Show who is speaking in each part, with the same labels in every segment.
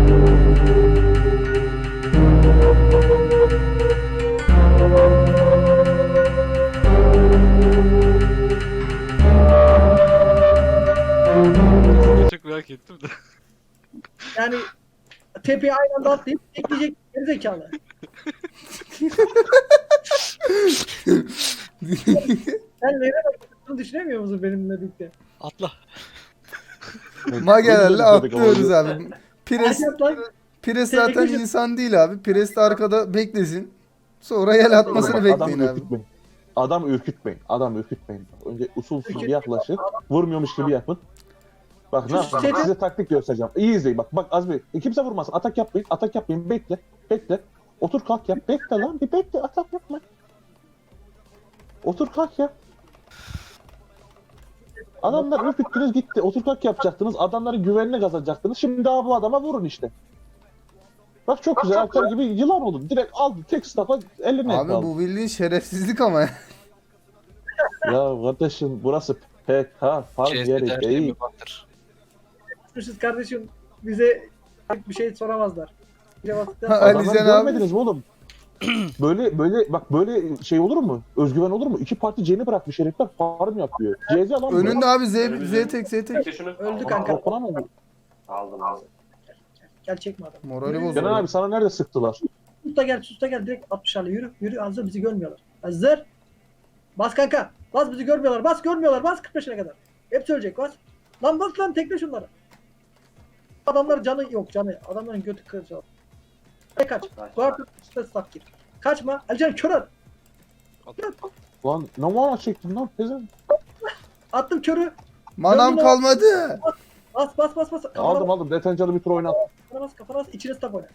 Speaker 1: Çok merak ettim de.
Speaker 2: Yani tepeye aynı anda atlayıp ekleyecek gerizekalı. Sen nereye bakıyorsun düşünemiyor musun benimle birlikte?
Speaker 1: Atla.
Speaker 3: Magelerle atlıyoruz abi. Pires,
Speaker 2: Hadi atla.
Speaker 3: Pires zaten
Speaker 2: Tekli-
Speaker 3: insan değil abi. Pires de arkada beklesin. Sonra yel atmasını
Speaker 4: Bak,
Speaker 3: bekleyin
Speaker 4: adamı
Speaker 3: abi.
Speaker 4: ürkütmeyin. Adam ürkütmeyin. Adam ürkütmeyin. Önce usul bir
Speaker 2: Ürküt-
Speaker 4: yaklaşın. Vurmuyormuş gibi yapın. Bak ne yapacağım?
Speaker 2: Seni-
Speaker 4: Size taktik göstereceğim. İyi izleyin. Bak Azmi. Kimse vurmasın. Atak yapmayın. Atak yapmayın. Bekle. Bekle. Otur kalk yap. Bekle lan. Bir bekle. Atak yapma. Otur kalk yap. Adamlar ürküttünüz gitti. Otur kalk yapacaktınız. Adamların güvenini kazanacaktınız. Şimdi daha bu adama vurun işte. Bak çok güzel. Alper gibi yılan oldu. Direkt aldı. Tek staff'a eline
Speaker 3: Abi
Speaker 4: aldı.
Speaker 3: bu bildiğin şerefsizlik ama.
Speaker 4: Ya kardeşim burası PK fark yeri
Speaker 1: Her
Speaker 4: değil.
Speaker 1: şeyimi baktır.
Speaker 2: Yapmışız kardeşim. Bize bir şey soramazlar. Cevapta
Speaker 3: Ali
Speaker 4: Adamları
Speaker 3: Can abi.
Speaker 4: görmediniz mi oğlum? böyle şey olur mu? Özgüven olur mu? İki parti C'ni bırakmış herifler farm yapıyor. CZ alan mı?
Speaker 3: Önünde abi Z tek Z tek.
Speaker 2: öldü kanka.
Speaker 4: Falan oldu.
Speaker 5: Aldım aldım.
Speaker 2: Gel çekme adam.
Speaker 3: Morali
Speaker 4: Kenan
Speaker 3: bozuldu.
Speaker 4: abi sana nerede sıktılar?
Speaker 2: Sus da gel direkt 60'larla yürü. Yürü hazır bizi görmüyorlar. Hazır. Bas kanka. Bas bizi görmüyorlar. Bas görmüyorlar. Bas 45'e kadar. Hepsi ölecek bas. Lan bas lan tekle şunları. Adamlar canı yok canı. Adamların götü kıracak. Kaç. Guard üstüne staff gir. Kaçma. Alican kör at.
Speaker 4: Lan ne mana çektin lan pezen?
Speaker 2: Attım körü.
Speaker 3: Manam
Speaker 2: Döndüm
Speaker 3: kalmadı.
Speaker 2: Bas. Kafana
Speaker 4: Aldım detencalı bir tur oynat.
Speaker 2: kafana bas. İçine staff oyna.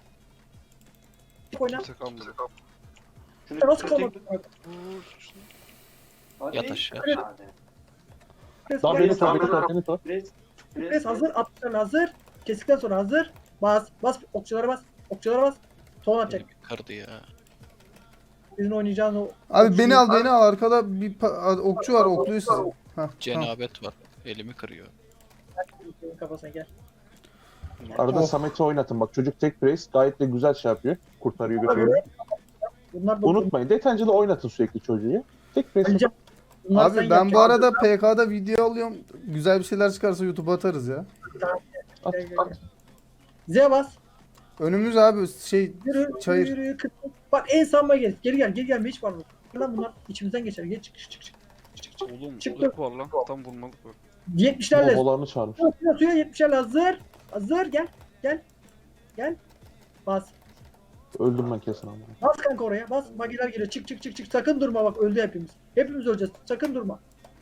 Speaker 2: Oyna.
Speaker 1: Sakın bunu.
Speaker 5: Şunu
Speaker 2: Nasıl kalmadı?
Speaker 1: Vur şunu.
Speaker 5: Hadi.
Speaker 1: Yat aşağı.
Speaker 5: Hadi.
Speaker 4: Daha beni sor.
Speaker 2: Pres hazır. 60'lar hazır. Kesikten sonra hazır. Bas. Okçulara bas. Ton atacak.
Speaker 1: Beni kırdı ya.
Speaker 2: Bizim oynayacağın o...
Speaker 3: Abi beni al arkada bir okçu var okluyor sizi. Hah, tamam.
Speaker 1: Cenabet var. Elimi kırıyor.
Speaker 2: Kafasına gel.
Speaker 4: Arada
Speaker 3: Oh.
Speaker 4: Samet'i oynatın bak çocuk tek brace gayet de güzel şey yapıyor. Kurtarıyor götürüyor.
Speaker 2: Bunlar da
Speaker 4: Unutmayın detencalı oynatın sürekli çocuğu. Tek brace.
Speaker 2: Alican, bunlar sen
Speaker 3: Abi ben
Speaker 2: yapacaksın.
Speaker 3: bu arada PK'da video alıyorum. Güzel bir şeyler çıkarsa YouTube'a atarız ya.
Speaker 2: Gel. Z bas.
Speaker 3: Önümüz abi şey
Speaker 2: Yürü.
Speaker 3: çayır.
Speaker 2: Yürü. Bak en sanma gel. Geri gel. Hiç var mı? Lan bunlar içimizden geçer. Gel çık.
Speaker 1: Oğlum
Speaker 2: Çıktı.
Speaker 1: balık var lan. Tam vurmalık var.
Speaker 2: 70'lerle.
Speaker 4: Babalarını çağırmış.
Speaker 2: Suya 70'lerle hazır. Hazır gel. Bas.
Speaker 4: Öldüm ben kesin ama.
Speaker 2: Bas kanka oraya. Bas. Magiler geliyor. Çık. Sakın durma bak öldü hepimiz. Hepimiz öleceğiz. Sakın durma.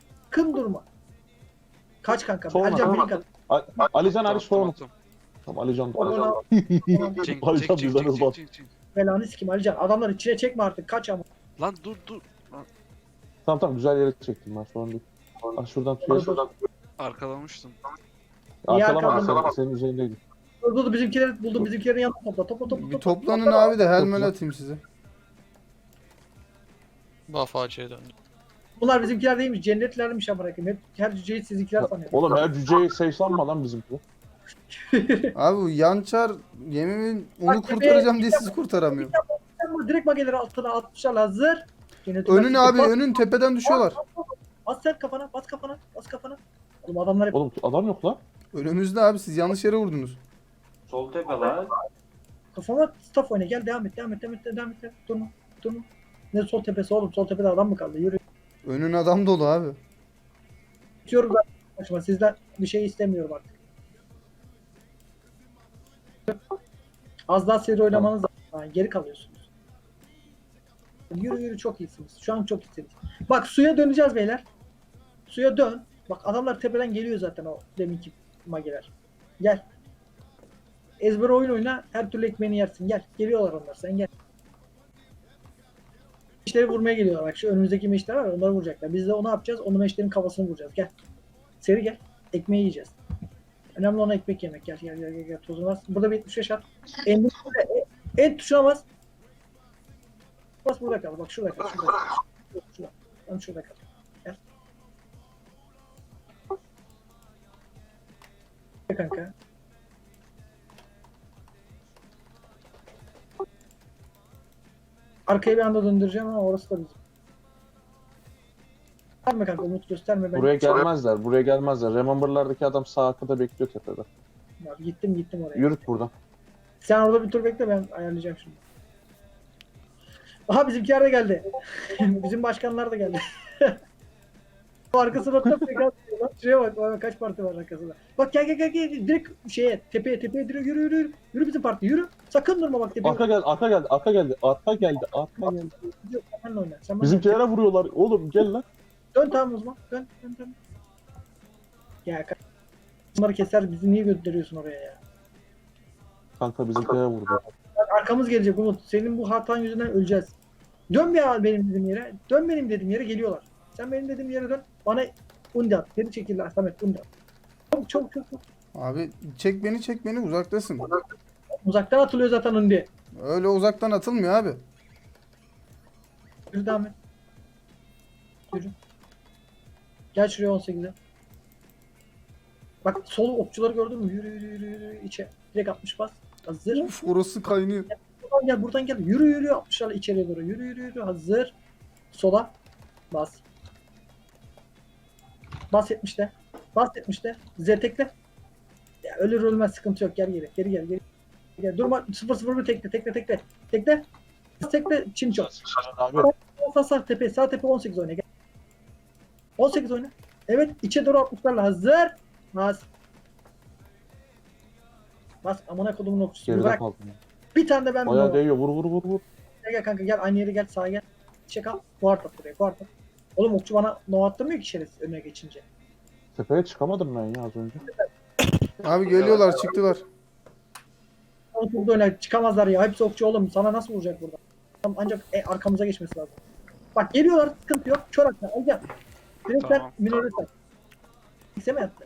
Speaker 2: Kaç kanka.
Speaker 4: Sonra.
Speaker 2: Alican beni kat.
Speaker 4: Alican abi sorun.
Speaker 1: Tamam.
Speaker 4: Tamam Alican.
Speaker 2: Ona
Speaker 1: Çek
Speaker 4: Alican
Speaker 1: çek
Speaker 4: bizden hızlı.
Speaker 1: çek.
Speaker 2: belanı sikim Alican. Adamları içine çekme artık. Kaç ama.
Speaker 1: Lan dur.
Speaker 4: Tamam güzel yere çektim ben sorun değil. Ah şuradan tutuyor.
Speaker 1: Arkalamıştım.
Speaker 2: İyi
Speaker 4: Arkalamadı
Speaker 2: arkalama.
Speaker 4: senin üzerindeydi.
Speaker 2: Dur bizimkileri buldum. Bizimkilerin yanına topla.
Speaker 3: Bir toplanın abi de helmel atayım size.
Speaker 1: Buff AC'ye döndü.
Speaker 2: Bunlar bizimkiler değilmiş. Cennetlermiş ama bırakayım. Hep her cüceyi sizinkiler sanıyor.
Speaker 4: Oğlum her cüceyi seysanma lan bizimki.
Speaker 3: Abi bu yançar yemimin onu
Speaker 2: Bak,
Speaker 3: kurtaracağım diye sizi kurtaramıyorum.
Speaker 2: Ama direkt mageleri altına 60'lar hazır.
Speaker 3: Önün abi önün tepeden düşüyorlar.
Speaker 2: Bas sen kafana. Oğlum adamlar hep
Speaker 4: Oğlum adam yok lan.
Speaker 3: Önümüzde abi siz yanlış yere vurdunuz.
Speaker 5: Sol tepe lan.
Speaker 2: kafama staff oyna. Gel devam et. Durma. Ne sol tepesi oğlum? Sol tepede adam mı kaldı? Yürü.
Speaker 3: Önün adam dolu abi.
Speaker 2: Bitiyorum ben. Başıma. Sizden bir şey istemiyorum artık. Az daha seri oynamanız lazım. Yani geri kalıyorsunuz. Yürü çok iyisiniz. Şu an çok iyisiniz. Bak suya döneceğiz beyler. Suya dön. Bak adamlar tepeden geliyor zaten o deminki mageler. Gel. Ezber oyun oyna. Her türlü ekmeğini yersin. Gel. Geliyorlar onlar. Sen gel. Meşleri vurmaya geliyorlar. Bak şu önümüzdeki meşler var ya, onları vuracaklar. Biz de onu yapacağız. Onu meşlerin kafasını vuracağız. Gel. Seri gel. Ekmeği yiyeceğiz. Önemli olan ekmek yemek. Gel. Tozunu bas. Burada bir 75 at. En tuşuna bas. Bas burada kal. Bak şurada kal. Şurada. Tam şurada kal. Gel. Gel kanka. Arkaya bir anda döndüreceğim ama orası da bizim. Gösterme kanka, Umut gösterme. Ben
Speaker 4: Buraya gelmezler. Buraya gelmezler. Remember'lardaki adam sağ arkada bekliyor tepede.
Speaker 2: Ya, gittim oraya.
Speaker 4: Yürüt buradan.
Speaker 2: Sen orada bir tur bekle, ben ayarlayacağım şimdi. Aha bizimkiler de geldi. Bizim başkanlar da geldi. Arkasına da bak. Şuraya bak kaç parti var arkasında. Bak gel direkt tepeye direkt yürü. Yürü bizim parti yürü. Sakın durma bak tepeye.
Speaker 4: Arka geldi.
Speaker 2: Sen oyna. Sen bana-
Speaker 4: Bizimkilere vuruyorlar. Oğlum gel lan.
Speaker 2: Dön tamam o zaman. Dön. Ya bunları keser, bizi niye gönderiyorsun oraya ya?
Speaker 4: Kanka bizimkilere vurdu.
Speaker 2: Bak, arkamız gelecek Umut. Senin bu hatan yüzünden öleceğiz. Dön ya benim dediğim yere. Dön benim dediğim yere, geliyorlar. Sen benim dediğim yere dön. Bana undi at. Geri çekil Samet, undi at. Çok.
Speaker 3: Abi çek beni uzaktasın.
Speaker 2: Uzaktan atılıyor zaten undi.
Speaker 3: Öyle uzaktan atılmıyor abi.
Speaker 2: Yürü devam et. Yürü. Gel şuraya 18'e. Bak sol okçuları gördün mü? Yürü içe. Direkt 60 bas. Hazır.
Speaker 3: Uf orası kaynıyor.
Speaker 2: Buradan gel. Yürü 60'larla içeriye doğru. Yürü. Hazır. Sola. Bas. Bas 70'te. Bas 70'te. Tekle. Ya ölür ölmez sıkıntı yok. Geri. Gel. Durma. 0-0 tekle. Tekle. Çinço.
Speaker 4: Abi
Speaker 2: Sağ tepe 18 oyna. Gel. 18 oyna. Evet içe doğru 60'larla hazır. Bas amına kodumun okçusu.
Speaker 4: geride
Speaker 2: Bırak.
Speaker 4: kaldım.
Speaker 2: Bir tane de ben
Speaker 4: Bayağı
Speaker 2: bunu.
Speaker 4: değiyor. Vur.
Speaker 2: Gel kanka gel aynı yere gel sağa gel. Çek al. Guard at buraya. Guard at. Oğlum okçu bana no attırmıyor ki şerefsiz önüne geçince.
Speaker 4: Tepeye çıkamadım ben ya az önce.
Speaker 3: Abi geliyorlar çıktılar.
Speaker 2: Burada öyle çıkamazlar ya. Hepsi okçu oğlum. Sana nasıl vuracak burada? Ancak arkamıza geçmesi lazım. Bak geliyorlar. Sıkıntı yok. Kör atla. Al gel. Direkt
Speaker 1: Tamam.
Speaker 2: minöre sen. X'e mi attı?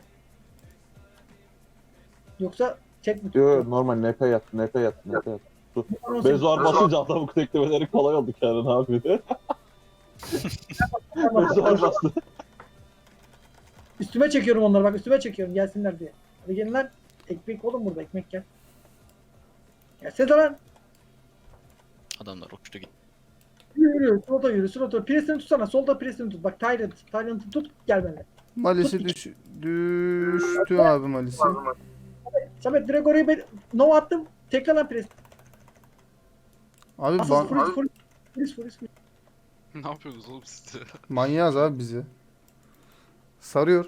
Speaker 2: Yoksa çek mi?
Speaker 4: Yo normal NP yattı. Bezuar basınca adamın teklemeleri kolay oldu Kerem abi. Bezuar bastı.
Speaker 2: Üstüme çekiyorum onları bak, üstüme çekiyorum gelsinler diye. Hadi gelin lan. Ekmek oğlum burada, ekmek gel. Gelsene lan.
Speaker 1: Adamlar uçtu gitti.
Speaker 2: Yürü. Slota. Presini tutsana. Solda presini tut. Bak Tyrant'ı tut. Gel benimle.
Speaker 3: Malisi düştü abi Malisi.
Speaker 2: Samet direkt oraya Nova attım. Tekrar lan pres.
Speaker 3: Abi
Speaker 2: Asıl full.
Speaker 1: Ne yapıyorsunuz oğlum siz de?
Speaker 3: manyağız abi bizi. Sarıyor.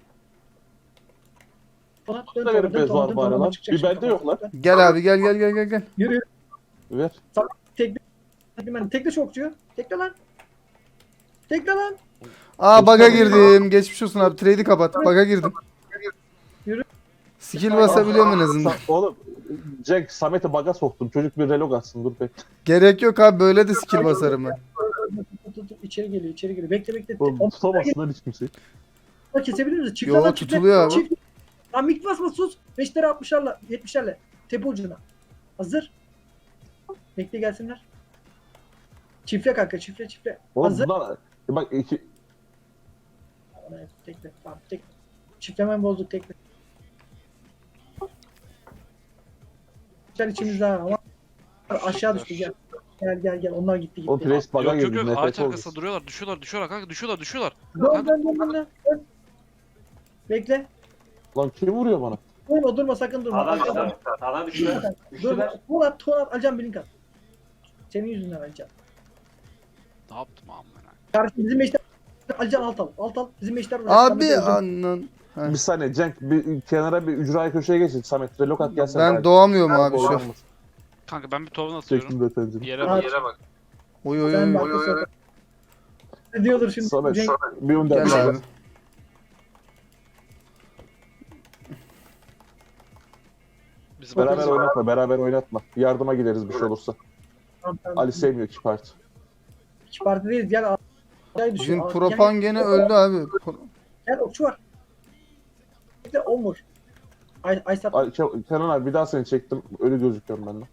Speaker 4: Da verip Bezuar bari lan. Bir bende yok lan.
Speaker 3: Gel abi gel.
Speaker 2: Yürü.
Speaker 4: Ver.
Speaker 2: Tekle çokçuyu. Tekle lan.
Speaker 3: Aa baga girdim. Geçmiş olsun abi. Trade'i kapat. Baga girdim.
Speaker 2: Yürü.
Speaker 3: Skill basabiliyorum en azından.
Speaker 4: Oğlum Jack Samet'i baga soktum. Çocuk bir relog atsın dur bekle.
Speaker 3: Gerek yok abi böyle de skill basarım ben.
Speaker 2: Tut. İçeri geliyor. Bekle.
Speaker 4: Oğlum tutamazsın lan hiç kimseyi.
Speaker 2: Kesebilir miyiz? Çift
Speaker 3: Yo,
Speaker 2: lan,
Speaker 3: tutuluyor abi.
Speaker 2: Çift. Lan mik basma sus. 5'lere 60'larla 70'lerle. Tepe ucuna. Hazır. Bekle gelsinler. Çiftle kanka çiftle.
Speaker 4: Oğlum
Speaker 2: Hazır.
Speaker 4: bunlar bak iki
Speaker 2: Tekle. Tamam tekle. Çiftlemen bozduk tekle. Güzel içimizde ha, ama aşağı düştü gel. Gel. Onlar gitti.
Speaker 4: o pres baga
Speaker 1: Yok
Speaker 4: girdi.
Speaker 1: ağaç
Speaker 4: Nefret oldu.
Speaker 1: arkasında duruyorlar. Düşüyorlar kanka düşüyorlar.
Speaker 2: Dön. Bekle.
Speaker 4: Lan kim vuruyor bana?
Speaker 2: Durma sakın durma.
Speaker 5: Sağdan düştü. Düştüler.
Speaker 2: Tuğla at. Alacağım bir link at. Senin yüzünden alacağım.
Speaker 1: Ne yaptım amına?
Speaker 2: Kardeşim bizim meşter Alican alt al. Bizim meşter
Speaker 3: Abi anan. Ha.
Speaker 4: Bir saniye Cenk bir kenara bir ücraya köşeye geçin. Samet relog at gelsene.
Speaker 3: Ben doğamıyorum abi şu an.
Speaker 1: Kanka ben bir tohum atıyorum.
Speaker 4: Çektim detaycını.
Speaker 1: Yere
Speaker 2: Abi.
Speaker 1: bak.
Speaker 3: Oy.
Speaker 2: Sen bak. Ne diyordur şimdi?
Speaker 4: Samet
Speaker 2: Cenk,
Speaker 4: bir önden
Speaker 3: Gel abi.
Speaker 1: Bizim
Speaker 4: beraber oynatma. Yardıma gideriz bir şey olursa.
Speaker 2: tamam.
Speaker 4: Ali sevmiyor ki parti.
Speaker 2: İki parti değiliz. Gel.
Speaker 3: Bizim Propan gene öldü abi.
Speaker 2: Gel okçu var. Bekle Omur. Aysat.
Speaker 4: Kenan abi bir daha seni çektim. Ölü gözüküyorum ben de.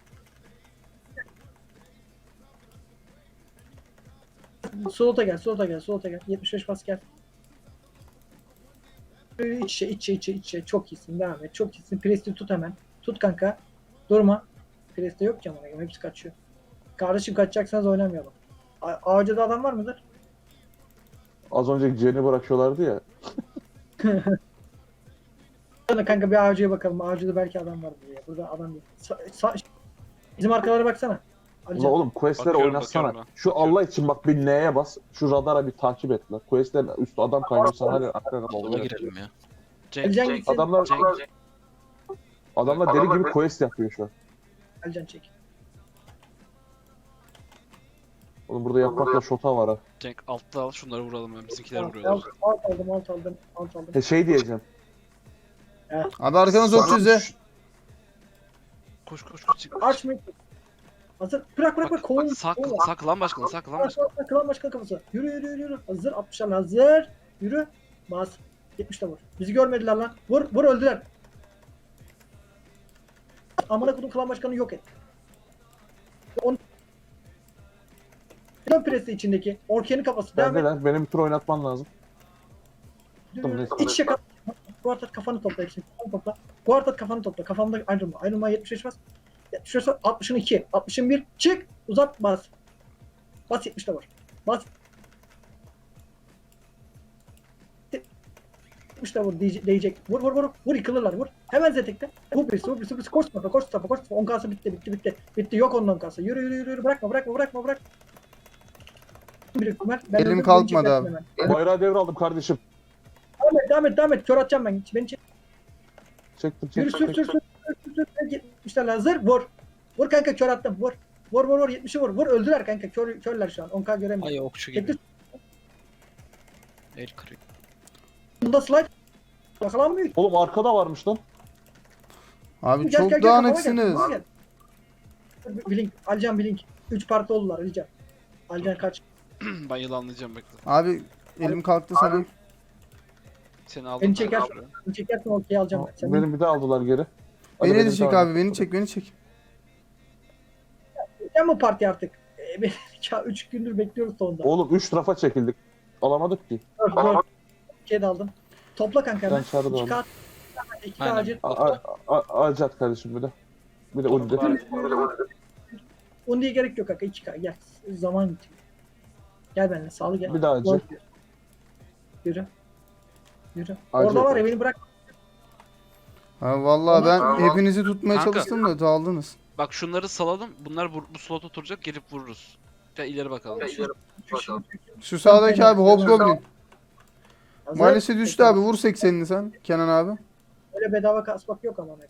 Speaker 2: Slota gel. 75 bas gel. İç içe. Çok iyisin. Devam et. Çok iyisin. Presti tut hemen. Tut kanka. Durma. Presti yok ki ama. Hepsi kaçıyor. Kardeşim kaçacaksanız oynamayalım. Ağacıda adam var mıdır?
Speaker 4: Az önce Jen'i bırakıyorlardı ya.
Speaker 2: Hadi kanka bir ağacıya bakalım. Ağacıda belki adam var buraya. Burada adam yok. Bizim arkalara baksana.
Speaker 4: Ulan
Speaker 2: Alican.
Speaker 4: oğlum questleri
Speaker 1: Bakıyorum,
Speaker 4: oynatsana.
Speaker 1: bakıyorum ben.
Speaker 4: Şu Allah için bak bir N'ye bas. Şu radara bir takip et lan. Questlerin üstü adam kaynıyorsa hadi arkaya
Speaker 6: Sola
Speaker 4: oluyor.
Speaker 6: girelim ya.
Speaker 1: Cenk,
Speaker 2: Alican
Speaker 1: Cenk,
Speaker 2: gitsin.
Speaker 4: Adamlar
Speaker 1: Cenk.
Speaker 4: adamlar deli gibi quest yapıyor şu an.
Speaker 2: Alican çek.
Speaker 4: Oğlum burada yapmakla şota var ha.
Speaker 1: Cenk altta al şunları vuralım ben. Bizimkiler
Speaker 2: Alt
Speaker 1: vuruyorlar.
Speaker 2: aldım.
Speaker 4: Şey diyeceğim.
Speaker 3: Abi arkanız
Speaker 4: Sana-
Speaker 3: 300'e.
Speaker 1: Koş.
Speaker 2: Aç mı? Hazır. Bırak. Kovun.
Speaker 1: Sağ klan başkanı, sağ klan başkanı.
Speaker 2: Kılan başkan kafası. Yürü. Hazır. 60'lar hazır. Yürü. Bas. 70'te vur. Bizi görmediler lan. Vur öldüler. Amına kodum klan başkanı yok et. Klan presi içindeki. Orkenin kafası. Devam et.
Speaker 4: Neredeler? Benim bir tur oynatman lazım.
Speaker 2: Yürü. İç içe kal. Guardat kafanı topla hepsini. Kafanı topla. Guardat kafanı topla. Kafamda ayrılma. Ayrılma 75 bas. 75 bas. 60'ın 2. 60'ın 1. Çık. Uzat bas. Bas 70'te vur. Bas. 70'te vur değecek. Vur yıkılırlar vur. Hemen zetekte. Vur birisi. Koş tarafa. 10 kasa bitti. Bitti yok onun 10 kasa. Yürü. Bırakma. Bir Ömer. Ben
Speaker 3: Elim
Speaker 2: öldüm,
Speaker 3: kalkmadı
Speaker 2: beni
Speaker 3: abi.
Speaker 2: çekmesin hemen.
Speaker 4: Bayrağı devraldım kardeşim.
Speaker 2: Devam et. Kör atacağım ben. Beni çek.
Speaker 4: Çektim.
Speaker 2: Yürü sür. 70'ler hazır. Vur kanka kör attım. Vur 70'i vur. Öldüler kanka. Körler şu an. 10k göremiyor.
Speaker 6: Ay okçu gibi.
Speaker 2: Tekli
Speaker 6: El kırık.
Speaker 2: bunda slide. Yakalanmıyor.
Speaker 4: Oğlum arkada varmış lan.
Speaker 3: Abi
Speaker 2: Gel,
Speaker 3: çok
Speaker 2: kafama
Speaker 3: dağınıksınız.
Speaker 2: gel. Blink. Alcan Blink. 3 parti oldular Alcan. Alcan kaç.
Speaker 1: Ben yılanlayacağım bekle.
Speaker 3: Abi elim kalktı sana.
Speaker 1: Seni aldım.
Speaker 2: Beni
Speaker 1: ben
Speaker 2: çeker.
Speaker 1: şuraya.
Speaker 2: Çekersen okey alacağım ben. Sen
Speaker 4: Beni bir de aldılar geri. Hadi
Speaker 3: Beni de
Speaker 4: benim
Speaker 3: çek
Speaker 4: tamam.
Speaker 3: abi, beni çek.
Speaker 2: sen bu parti artık. 3 gündür bekliyoruz sonunda.
Speaker 4: Oğlum 3 rafa çekildik. Alamadık ki.
Speaker 2: 4 de aldım. Topla kanka hemen.
Speaker 4: Ben çağrı da
Speaker 2: 2k
Speaker 4: aldım.
Speaker 2: 2k
Speaker 6: Aynen.
Speaker 2: acil.
Speaker 4: Acat kardeşim bir de. Bir de Ulud'de.
Speaker 2: Undi'ye gerek yok kanka 2k gel. Zaman bitiyor. Gel benimle sağlı gel.
Speaker 4: Bir daha acı.
Speaker 2: Yürü.
Speaker 4: Acı
Speaker 2: Orada var ya
Speaker 4: yok.
Speaker 2: beni bırak.
Speaker 3: Ha vallahi ben hepinizi tutmaya
Speaker 1: Kanka.
Speaker 3: çalıştım da daldınız.
Speaker 1: Bak şunları salalım. Bunlar bu slot oturacak. Gelip vururuz. Gel ileri bakalım.
Speaker 3: Şu sağdaki abi Hobgoblin.
Speaker 2: Hazır.
Speaker 3: Maalesef düştü abi, vur 80'ini sen Kenan abi.
Speaker 2: Öyle bedava kasmak yok ama.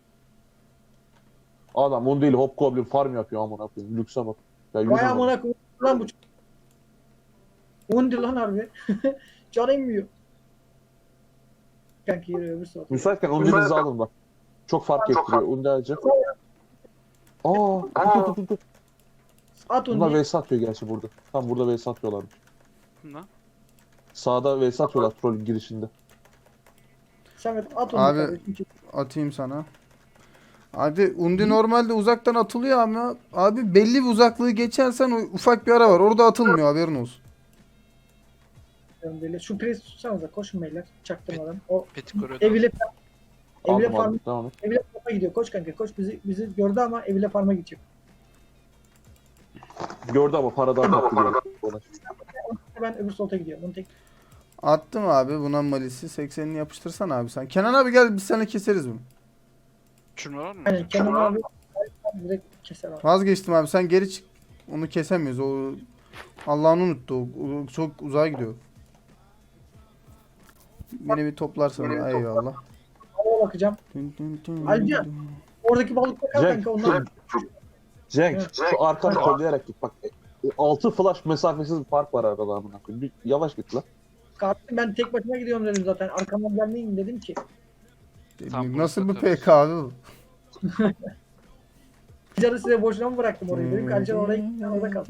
Speaker 4: Adam onu değil Hobgoblin farm yapıyor amına koyayım. Lükse bak. Ya yüz
Speaker 2: Vay
Speaker 4: numara.
Speaker 2: amına koyayım lan bu. Undi lan harbi. Canı inmiyor. Kanka yürü öbür saat.
Speaker 4: Müsaitken Undi'nizi alın bak. Çok fark ettiriyor. Undi acı. Dur.
Speaker 2: At
Speaker 4: Bunlar
Speaker 2: Undi.
Speaker 4: vs atıyor gerçi burada. Tam burada vs atıyorlarmış.
Speaker 1: Bunlar.
Speaker 4: Sağda vs atıyorlar trollün girişinde.
Speaker 2: Samet at Undi.
Speaker 3: Abi.
Speaker 2: kardeşim.
Speaker 3: Atayım sana. Abi Undi normalde uzaktan atılıyor ama abi belli bir uzaklığı geçersen o ufak bir ara var. Orada atılmıyor, haberin olsun.
Speaker 2: Böyle. Şu pres tutsanıza koşun beyler. Çaktırmadan. O
Speaker 1: Petik koruyor.
Speaker 2: evile
Speaker 4: Aldım
Speaker 2: farm
Speaker 4: aldım. Devam et.
Speaker 2: evile farma gidiyor. Koş kanka koş bizi gördü ama evile farma gidecek.
Speaker 4: Gördü ama paradan kaptırıyor.
Speaker 2: Ben öbür solta gidiyorum. Bunu tek
Speaker 3: Attım abi buna malisi. 80'ini yapıştırsan abi sen. Kenan abi gel biz seninle keseriz bunu.
Speaker 1: Şunu var mı?
Speaker 2: Aynen Kenan abi direkt keser abi.
Speaker 3: Vazgeçtim abi, sen geri çık. Onu kesemiyoruz. O Allah'ını unuttu. O çok uzağa gidiyor. Beni bir toplarsan eyvallah.
Speaker 2: Havaya bakacağım. Alca. Oradaki balıkla kal
Speaker 4: Cenk,
Speaker 2: kanka onlar.
Speaker 4: Cenk
Speaker 2: Evet.
Speaker 4: şu arkanı kollayarak git bak. 6 flash mesafesiz bir fark var arada amına koyayım. Bir yavaş git lan.
Speaker 2: Kardeşim ben tek başıma gidiyorum dedim zaten. Arkamdan gelmeyin dedim ki.
Speaker 1: Tam
Speaker 3: Nasıl
Speaker 1: bunu
Speaker 3: bir PK abi bu?
Speaker 2: Canı size boşuna mı bıraktım orayı? Dedim ki Alcan oraya gitti orada kal.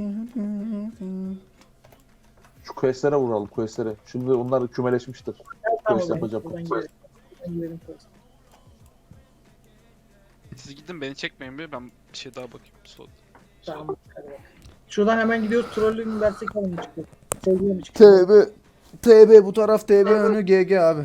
Speaker 4: Şu questlere vuralım questlere. Şimdi onlar kümeleşmiştir. Quest yapacağım.
Speaker 2: Ben gidelim quest.
Speaker 1: Siz gidin beni çekmeyin bir. Ben bir şey daha bakayım. Slot.
Speaker 2: Tamam hadi bak. Şuradan hemen gidiyoruz. Trollü mü versek alın mı çıkıyor? Sevgiye mi çıkıyor?
Speaker 3: TB bu taraf, TB önü GG abi.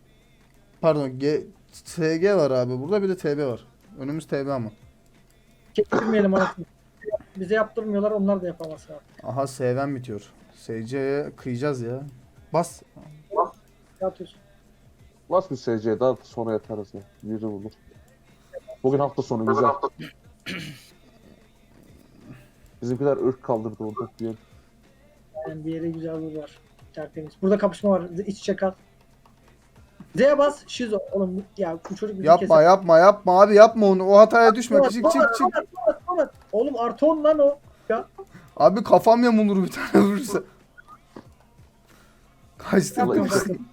Speaker 3: Pardon, SG var abi burada, bir de TB var. Önümüz TB ama.
Speaker 2: Kestirmeyelim anasını. Bize yaptırmıyorlar, onlar da yapamaz abi.
Speaker 3: Aha S'den bitiyor. SC'ye kıyacağız ya. Bas.
Speaker 2: Ne atıyorsun?
Speaker 4: Bas bir SC'ye daha sonra yaparız ya. Biri olur. Bugün hafta sonu güzel. Bizimkiler ırk kaldırdı orada diyelim.
Speaker 2: Yani bir yere güzel vur var. Tertemiz. Burada kapışma var. İç içe kal. Z'ye bas. Şizo. Oğlum ya bu çocuk bizi
Speaker 3: Yapma yapma yapma abi yapma onu. O hataya düşme.
Speaker 2: Tomat,
Speaker 3: Çık
Speaker 2: tomat,
Speaker 3: çık çık.
Speaker 2: tomat. Oğlum artı 10 lan o. Ya.
Speaker 3: Abi kafam yamulur bir tane vurursa. Kaçtım
Speaker 4: Vallahi
Speaker 3: kaçtım.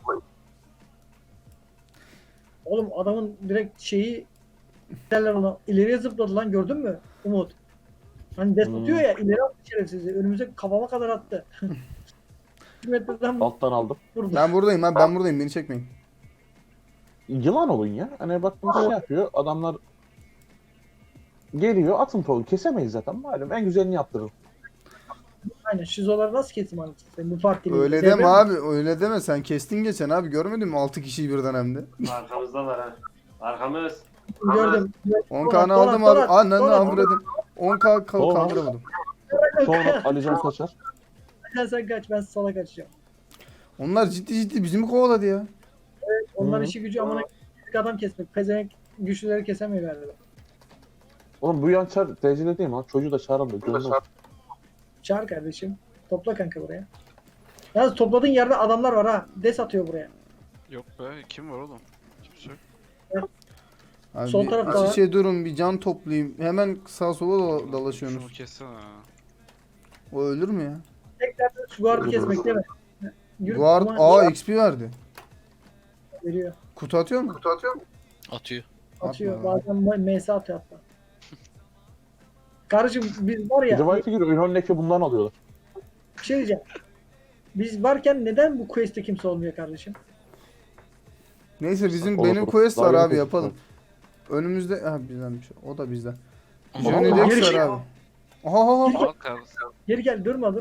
Speaker 2: Oğlum adamın direkt şeyi derler ona. İleriye zıpladı lan, gördün mü Umut? Hani des atıyor ya, ileri attı şerefsizi. Önümüze kafama kadar attı. 1 metreden
Speaker 4: Alttan aldım.
Speaker 2: vurdu.
Speaker 3: Ben buradayım abi ben buradayım beni çekmeyin.
Speaker 4: Yılan olun ya. Hani bak bir şey yapıyor. Adamlar geliyor atın topu. Kesemeyiz zaten. Malum en güzelini yaptırırım.
Speaker 2: Aynen, şizoları nasıl kesim anlatayım? Bu fark değil.
Speaker 3: Öyle deme abi öyle deme sen kestin geçen abi görmedin mi 6 kişiyi birden hem de.
Speaker 5: Arkamızdalar ha. Arkamız.
Speaker 2: Gördüm.
Speaker 3: 10 kanı aldım abi ananı avradım. 10k kaldıramadım.
Speaker 4: Sonra Alican kaçar.
Speaker 2: Sen kaç, ben sola kaçacağım.
Speaker 3: Onlar ciddi bizi mi kovaladı ya?
Speaker 2: Onlar
Speaker 4: Hı.
Speaker 2: işi gücü amına adam kesmek. Pezevenk güçlüleri kesemiyor galiba.
Speaker 4: Oğlum bu yan çar TC'de değil mi lan? Çocuğu da çağıralım da. Gönlüm.
Speaker 2: Çağır kardeşim. Topla kanka buraya. Yalnız topladığın yerde adamlar var ha. Des atıyor buraya.
Speaker 1: Yok be kim var oğlum? Kimse yok.
Speaker 3: Abi
Speaker 2: Sol tarafta
Speaker 3: iç
Speaker 2: var.
Speaker 3: içe durun bir can toplayayım. Hemen sağa sola
Speaker 1: Şunu
Speaker 3: dalaşıyorsunuz.
Speaker 1: kessene.
Speaker 3: O ölür mü ya?
Speaker 2: Tekrar şu guardı kesmek değil mi? Yürü,
Speaker 3: Guard
Speaker 2: ama
Speaker 3: XP verdi.
Speaker 2: veriyor.
Speaker 3: Kutu atıyor mu?
Speaker 6: Atıyor.
Speaker 2: Atıyor.
Speaker 3: Atma.
Speaker 2: Bazen MS atıyor hatta. Karıcığım biz var ya,
Speaker 4: Rivayete göre Ünlü'ndeki bundan alıyorlar.
Speaker 2: bir şey diyeceğim. Biz varken neden bu quest'te kimse olmuyor kardeşim?
Speaker 3: Neyse bizim
Speaker 4: Olur,
Speaker 3: benim
Speaker 4: olur.
Speaker 3: quest
Speaker 4: Daha
Speaker 3: var
Speaker 4: yeni
Speaker 3: abi
Speaker 4: quest
Speaker 3: yapalım. Önümüzde ha bizdenmiş. O da bizden.
Speaker 6: Ama
Speaker 3: Johnny
Speaker 2: Vallahi
Speaker 3: Dex
Speaker 2: geri
Speaker 3: var
Speaker 2: şey-
Speaker 3: abi. Aha.
Speaker 1: Al kardeşim.
Speaker 2: Geri gel, durma.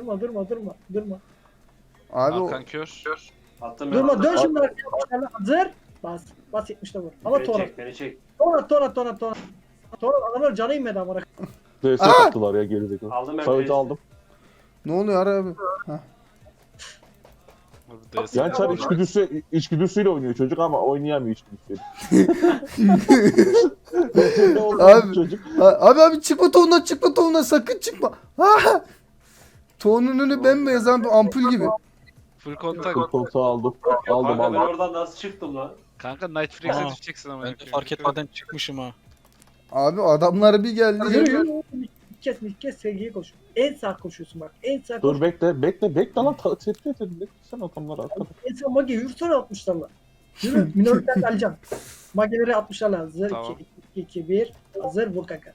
Speaker 3: Abi o
Speaker 1: Hakan kör.
Speaker 5: Attım ben.
Speaker 2: Durma,
Speaker 5: attım.
Speaker 2: dön şimdi arkaya. Hazır. Bas. Bas 70'te vur. Ama
Speaker 5: Beni
Speaker 2: Tora.
Speaker 5: çek, beni çek.
Speaker 2: Tora. Adamlar canı inmedi amına.
Speaker 4: DS
Speaker 3: Aa!
Speaker 4: attılar ya gerizekalı.
Speaker 5: Aldım ben.
Speaker 4: Savet'i
Speaker 5: beni.
Speaker 4: aldım.
Speaker 3: ne oluyor abi?
Speaker 1: Abi DS.
Speaker 4: Yan çar içgüdüsüyle oynuyor çocuk ama oynayamıyor içgüdüsüyle.
Speaker 3: Abi.
Speaker 4: Abi. Çocuk.
Speaker 3: Abi çıkma tohumdan sakın çıkma. Ha! Tohunun önü bembeyaz abi ampul gibi.
Speaker 1: Full kontak.
Speaker 4: Koltuğu aldım. Aldım
Speaker 5: Kanka ben
Speaker 4: aldım.
Speaker 5: oradan nasıl çıktım lan?
Speaker 1: Kanka Night Freaks'e
Speaker 6: Aa,
Speaker 1: düşeceksin ama.
Speaker 6: Ben de fark etmeden çıkmışım ha.
Speaker 3: Abi adamlar bir geldi.
Speaker 2: Yürü. İlk kez sevgiye koş. En sağ koşuyorsun bak. En sağ koş.
Speaker 4: Dur bekle lan tepki edelim. Sen adamları arkada.
Speaker 2: En sağ mage yürüsene 60'larla. Yürü. Minörten alacağım. Mageleri 60'larla. Hazır.
Speaker 1: Tamam.
Speaker 2: 2, 1. Hazır. Vur kanka.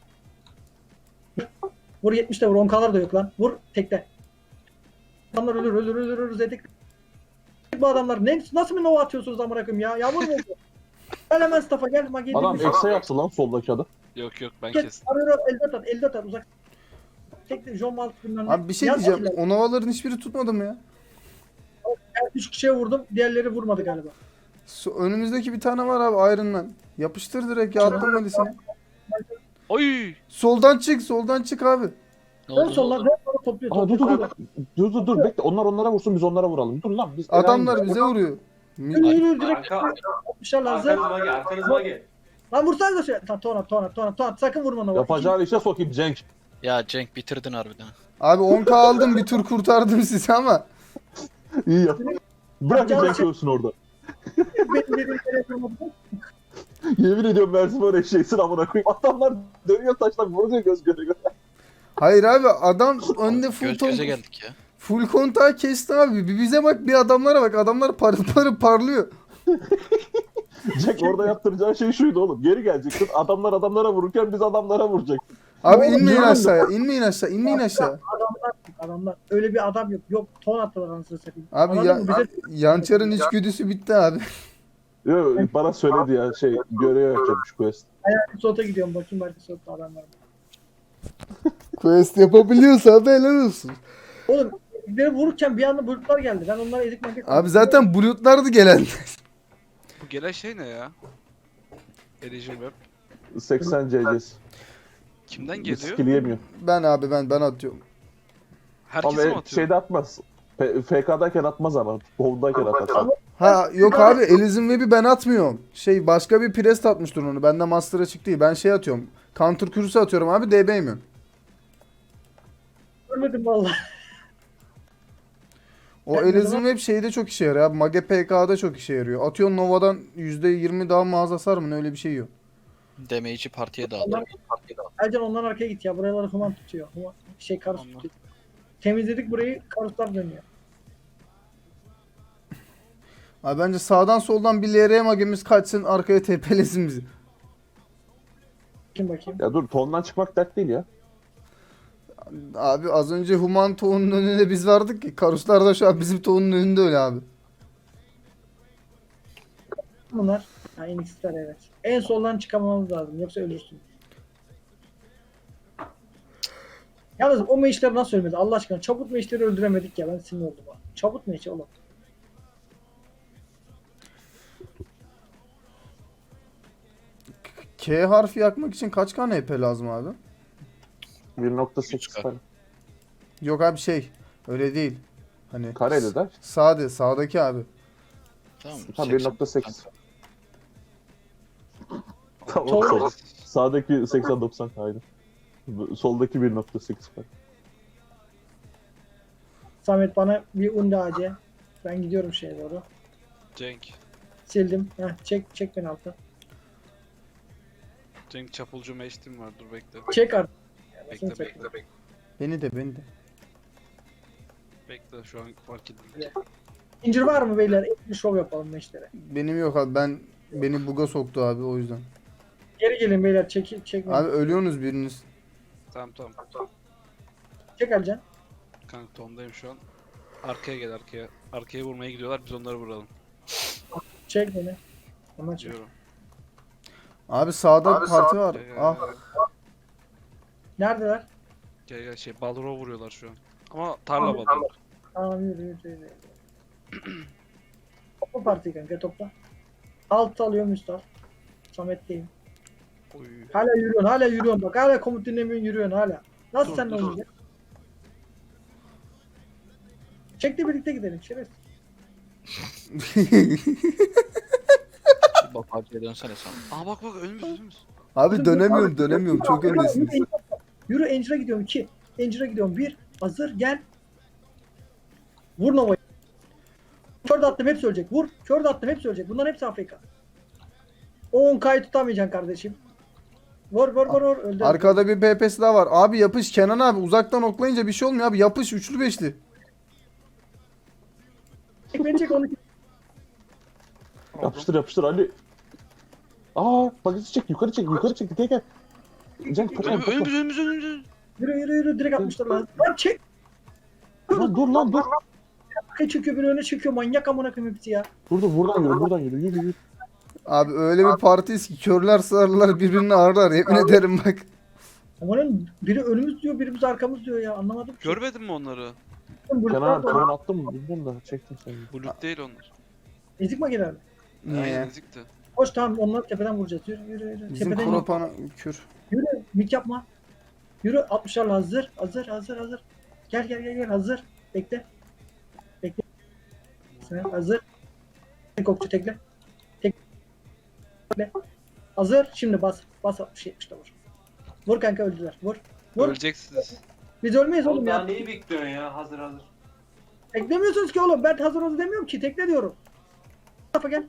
Speaker 2: Vur 70'te vur. 10k'lar da yok lan. Vur tekte. Adamlar ölür. Zedik. Bu adamlar nasıl bir nova atıyorsunuz amına koyayım ya? Yağmur mu oldu? Gel hemen staff'a gel. Mageyi
Speaker 4: Adam
Speaker 2: dirmiş.
Speaker 4: ekse yaptı lan soldaki adı.
Speaker 1: Yok ben
Speaker 2: Kes.
Speaker 1: kestim.
Speaker 2: Arıyor. Elde at. Uzak. Tekte. John Malt bilmem ne.
Speaker 3: Abi bir şey
Speaker 2: Yaz
Speaker 3: diyeceğim.
Speaker 2: bakayım.
Speaker 3: O novaların hiçbiri tutmadı mı ya?
Speaker 2: Ben 3 kişiye vurdum. Diğerleri vurmadı galiba.
Speaker 3: Önümüzdeki bir tane var abi Iron Man. Yapıştır direkt ya attım Alice'ine.
Speaker 1: Oy!
Speaker 3: Soldan çık abi.
Speaker 6: Ne
Speaker 2: Dön
Speaker 6: oldu?
Speaker 2: solla. Dön solla topluyor.
Speaker 4: Aa dur bekle. Onlar onlara vursun biz onlara vuralım. Dur lan biz
Speaker 3: Adamlar bize vuruyor.
Speaker 2: Yürü direkt.
Speaker 5: Arka,
Speaker 2: Atmışlar hazır.
Speaker 5: arkanızıma gel, arkanızıma gel.
Speaker 2: Lan vursana da şey. Tona. Sakın vurma Nova.
Speaker 4: Yapacağın işe sokayım Cenk.
Speaker 6: Ya Cenk bitirdin harbiden.
Speaker 3: Abi 10k aldım bir tur kurtardım sizi ama.
Speaker 4: İyi yap. Bırak
Speaker 2: Yapacağın
Speaker 4: Cenk
Speaker 2: şey-
Speaker 4: ölsün orada.
Speaker 2: Benim dediğim yere vurmadı.
Speaker 4: Yemin ediyorum Mersin var eşeğsin amına koyayım. Adamlar dönüyor taşlar vuruyor göz göre göre.
Speaker 3: Hayır abi adam önde
Speaker 6: Göz göze geldik ya.
Speaker 3: full kontağı kesti abi. Bir bize bak bir adamlara bak. Adamlar parlıyor.
Speaker 4: Cenk orada yaptıracağı şey şuydu oğlum. Geri geleceksin. Adamlar adamlara vururken biz adamlara vuracaktık.
Speaker 3: Abi
Speaker 2: Oğlum,
Speaker 3: inmeyin
Speaker 2: ne
Speaker 3: aşağıya. İnmeyin aşağı.
Speaker 2: Adamlar. Öyle bir adam yok. Yok ton attılar anasını satayım.
Speaker 3: Abi
Speaker 2: Anladın mı? Bize
Speaker 3: Yançar'ın içgüdüsü bitti abi.
Speaker 4: Yo, bana söyledi ya görev yapacakmış quest.
Speaker 2: Sota gidiyorum. Bakayım belki sotta adam var mı?
Speaker 3: Quest yapabiliyorsa abi helal olsun.
Speaker 2: Oğlum beni vururken bir anda bulutlar geldi. Ben onlara ezik maket.
Speaker 3: Abi zaten bulutlardı gelen.
Speaker 1: Bu gelen şey ne ya? Ericim web.
Speaker 4: 80 CC'si.
Speaker 1: Kimden
Speaker 4: Bir
Speaker 1: geliyor?
Speaker 4: skill yemiyor.
Speaker 3: Ben abi ben atıyorum.
Speaker 1: Herkese mi
Speaker 4: Ama
Speaker 1: atıyor?
Speaker 4: şeyde atmaz. FK'dayken atmaz ama. Bowl'dayken atar.
Speaker 3: Ha yok abi Elysian Web'i ben atmıyorum. Şey başka bir Priest atmıştır onu. Bende Master'a çıktı değil. Ben şey atıyorum. Counter Curse atıyorum abi DB yemiyorum.
Speaker 2: Görmedim vallahi.
Speaker 3: O
Speaker 2: Ben o
Speaker 3: Elysian
Speaker 2: zaman-
Speaker 3: Web şeyde çok işe yarıyor abi. Mage PK'da çok işe yarıyor. Atıyorsun Nova'dan %20 daha mağaza hasar mı ne öyle bir şey yok.
Speaker 6: Damage'i partiye dağıt.
Speaker 2: Onlar, Ercan ondan arkaya git ya. Buraları human tutuyor. Karus
Speaker 1: Allah.
Speaker 2: tutuyor. Temizledik burayı. Karuslar dönüyor.
Speaker 3: Abi bence sağdan soldan bir LR magemiz kaçsın arkaya tepelesin bizi.
Speaker 2: Kim bakayım.
Speaker 4: Ya dur tondan çıkmak dert değil ya.
Speaker 3: Abi az önce Human Toğ'un önünde biz vardık ki. Karuslar da şu an bizim Toğ'un önünde öyle abi.
Speaker 2: Bunlar. Ha NX'ler evet. En soldan çıkamamız lazım. Yoksa ölürsün. Yalnız o meşleri nasıl ölmedi? Allah aşkına çabuk meşleri öldüremedik ya. Ben sinir oldum ha. Çabuk meşi oğlum.
Speaker 3: K harfi yakmak için kaç tane EP lazım abi?
Speaker 4: 1.8
Speaker 6: Çıkar.
Speaker 4: kare.
Speaker 3: Yok abi şey öyle değil. Hani
Speaker 4: Kareli de.
Speaker 3: sağdaki abi.
Speaker 6: Tamam mı?
Speaker 4: Tam
Speaker 6: 80.
Speaker 4: 1.8. Tamam.
Speaker 2: Sol-
Speaker 4: Sol. Sağdaki 80-90 kaydı. Soldaki 1.8 kare.
Speaker 2: Samet bana bir undi AC. Ben gidiyorum şeye doğru.
Speaker 1: Cenk.
Speaker 2: Sildim. Heh, çek beni alta.
Speaker 1: Cenk çapulcu meştim var dur bekle.
Speaker 2: Çek artık.
Speaker 1: Bekle.
Speaker 3: Beni de.
Speaker 1: Bekle şu an fark edildi.
Speaker 2: İncir var mı beyler? Bir şov yapalım meşlere.
Speaker 3: Benim yok abi beni buga soktu abi o yüzden.
Speaker 2: Geri gelin beyler çek.
Speaker 3: Abi ölüyorsunuz biriniz.
Speaker 1: Tamam.
Speaker 2: Çek Ercan.
Speaker 1: Kanka tondayım şu an. Arkaya gel arkaya. Arkaya vurmaya gidiyorlar biz onları vuralım.
Speaker 2: Çek beni. Ama çek.
Speaker 1: Diyorum.
Speaker 3: Abi sağda parti var.
Speaker 1: Gel, gel,
Speaker 3: Ah.
Speaker 1: gel.
Speaker 2: Neredeler?
Speaker 1: Gel şey Balrog'a vuruyorlar şu an. Ama tarla Balrog.
Speaker 2: Tamam yürü. Topla partiyi kanka topla. Alt alıyorum üst al. Samet'teyim.
Speaker 1: Oy.
Speaker 2: Hala yürüyorsun bak. Hala komut dinlemiyorsun yürüyorsun hala. Nasıl
Speaker 1: Dur,
Speaker 2: sen
Speaker 1: dur.
Speaker 2: oynayacak? Çek de birlikte gidelim şeref.
Speaker 6: Bak partiye dönsene sen.
Speaker 1: Aa bak önümüz.
Speaker 3: Abi dönemiyorum çok öndesiniz.
Speaker 2: Yürü Angel'a gidiyorum 2. Angel'a gidiyorum 1. Hazır gel. Vur Nova'yı. Kör de attım hepsi ölecek. Vur. Kör de attım hepsi ölecek. Bunların hepsi Afrika. O 10K'yı tutamayacaksın kardeşim. Vur. Öldü.
Speaker 3: Arkada bir PP'si daha var. Abi yapış Kenan abi uzaktan oklayınca bir şey olmuyor abi yapış üçlü beşli.
Speaker 2: Çek onu.
Speaker 4: Yapıştır Ali. Aa bagajı çek yukarı çek. Gel. Cenk kaçalım.
Speaker 1: Önümüz.
Speaker 2: Yürü direkt atmışlar lan. Lan çek.
Speaker 4: Lan dur.
Speaker 2: Arkaya çekiyor biri öne çekiyor. Manyak amına koyayım hepsi ya.
Speaker 4: Dur buradan yürü.
Speaker 3: Abi öyle bir partiyiz ki körler sağırlar birbirini ağırlar yemin ederim bak.
Speaker 2: Amanın biri önümüz diyor, birimiz arkamız diyor ya. Anlamadım ki.
Speaker 1: Görmedin mi onları?
Speaker 4: Kenan ton attım mı bilmiyorum da çektim seni.
Speaker 1: Bulut değil onlar.
Speaker 2: Ezik makineler mi?
Speaker 3: Niye?
Speaker 1: Aynen ezikti.
Speaker 2: Koş tamam onları tepeden vuracağız. Yürü.
Speaker 3: Bizim
Speaker 2: Tepeden yürü.
Speaker 3: Kropan'a kür.
Speaker 2: Yürü. Mik yapma. Yürü 60'larla hazır. Gel hazır. Bekle. Sen hazır. Tek okçu tekle. Hazır. Şimdi bas 60-70'de vur. Vur kanka öldüler. Vur.
Speaker 1: Öleceksiniz.
Speaker 2: Biz ölmeyiz oğlum
Speaker 5: Oğlum daha
Speaker 2: ya.
Speaker 5: neyi bekliyorsun ya? Hazır.
Speaker 2: Teklemiyorsunuz ki oğlum. Ben hazır oldu demiyorum ki. Tekle diyorum. Bu tarafa gel.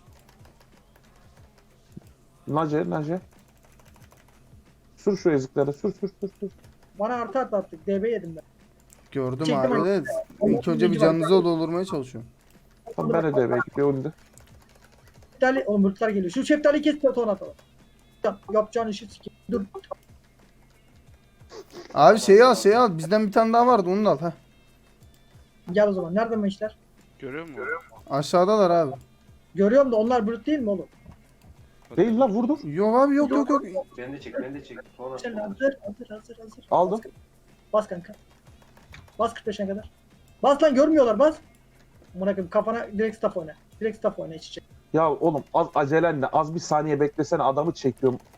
Speaker 4: Nace. Sür şu eziklere sür.
Speaker 2: Bana artı attık. DB yedim ben.
Speaker 3: Gördüm
Speaker 2: Çektim
Speaker 3: abi de ilk önce bir canınızı doldurmaya çalışıyorum.
Speaker 4: Tamam ben de bir önde.
Speaker 2: Şeftali, oğlum mırtlar geliyor. Şu şeftaliyi kes de ton atalım. Yapacağın işi sikeyim. Dur.
Speaker 3: Abi şeyi al bizden bir tane daha vardı onu da al. Heh.
Speaker 2: Gel o zaman. Nerede mi işler?
Speaker 1: Görüyor musun?
Speaker 3: Aşağıdalar abi.
Speaker 2: Görüyorum da onlar brut değil mi oğlum?
Speaker 4: Değil lan vurdur.
Speaker 3: Yok abi yok.
Speaker 5: Ben de çek. Sonra.
Speaker 2: Sen hazır.
Speaker 5: Aldım.
Speaker 2: Bas kanka. Bas 45'e kadar. Bas lan görmüyorlar bas. Amına koyayım kafana direkt staff oyna. Direkt staff oyna iç içe.
Speaker 4: Ya oğlum az acelenle az bir saniye beklesene adamı çekiyorum.